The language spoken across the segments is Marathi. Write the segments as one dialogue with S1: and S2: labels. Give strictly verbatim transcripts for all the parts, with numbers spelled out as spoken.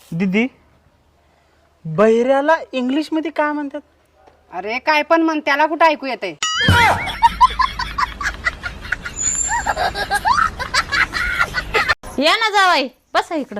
S1: दीदी बहिऱ्याला इंग्लिश मध्ये काय म्हणतात?
S2: अरे काय पण म्हण, त्याला कुठं ऐकू येते?
S3: या ना जावाई, बसा इकडं.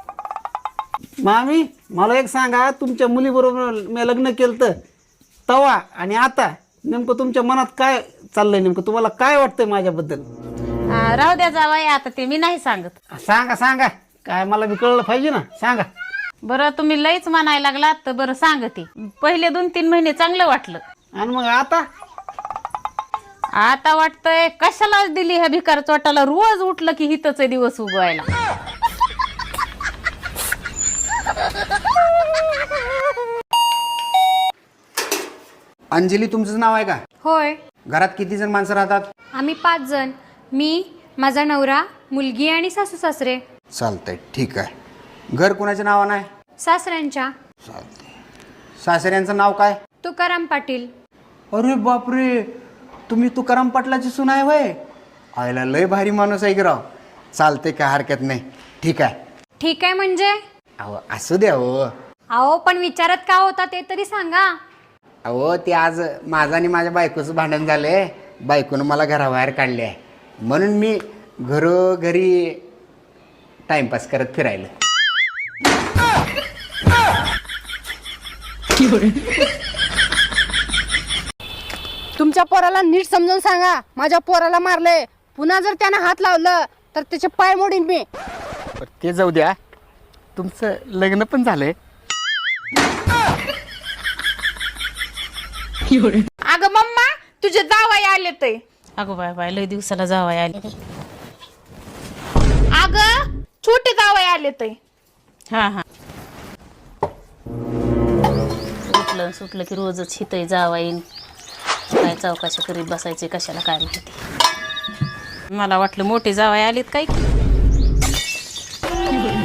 S4: मामी मला एक सांगा, तुमच्या मुलीबरोबर मी लग्न केलं तर तवा आणि आता नेमकं तुमच्या मनात काय चाललंय? नेमकं तुम्हाला काय वाटतंय माझ्याबद्दल?
S3: हा, राहू द्या जावाई, आता ते मी नाही सांगत.
S4: सांगा सांगा, काय मला बी कळलं पाहिजे ना, सांगा.
S3: बरं तुम्ही लईच म्हणायला लागलात तर बरं सांगते. पहिले दोन तीन महिने चांगलं वाटलं,
S4: आणि मग आता
S3: आता वाटतंय कशाला दिली ह्या भिकार चोटाला, रोज उठलं की हितच दिवस उगवायला.
S5: अंजली तुमचं नाव आहे का?
S6: होय,
S5: घरात किती जण माणसं राहतात?
S6: आम्ही पाच जण. मी, माझा नवरा, मुलगी आणि सासू सासरे.
S5: चालतंय, ठीक आहे. घर कोणाच्या नावानं आहे?
S6: सासऱ्यांच्या.
S5: चालतंय. सासऱ्यांचं नाव काय?
S6: तुकाराम पाटील.
S5: अरे बापरे, तुम्ही तुकाराम पाटलाची सून आहे वय? आयला लय भारी माणूस आहे की राव. चालतंय, काय हरकत नाही, ठीक आहे.
S6: ठीक आहे म्हणजे?
S5: अहो असू द्या हो.
S6: अहो पण विचारत का होता ते तरी सांगा.
S5: अहो ते आज माझं आणि माझ्या बायकोचं भांडण झालंय. बायकोनं मला घराबाहेर काढले आहे, म्हणून मी घरोघरी टाइमपास करत फिरायला.
S2: तुमच्या पोराला नीट समजून सांगा, माझ्या पोराला मारले. पुन्हा जर त्यानं हात लावलं तर त्याचे पाय मोडीन मी.
S4: ते जाऊ द्या, तुमचं लग्न पण झालंय?
S7: अगं मम्मा, तुझे जावाई आले ते.
S3: अगो बाय बाय, लय दिवसाला जावाई आली.
S7: अगं छोटे जावाई आले ते.
S3: हा हा, उठलं सुटलं की रोजच हितय जावाई. काय चौकाशी करीत बसायचे कशाला काय माहिती. मला वाटलं मोठे जावाई आलेत काय की.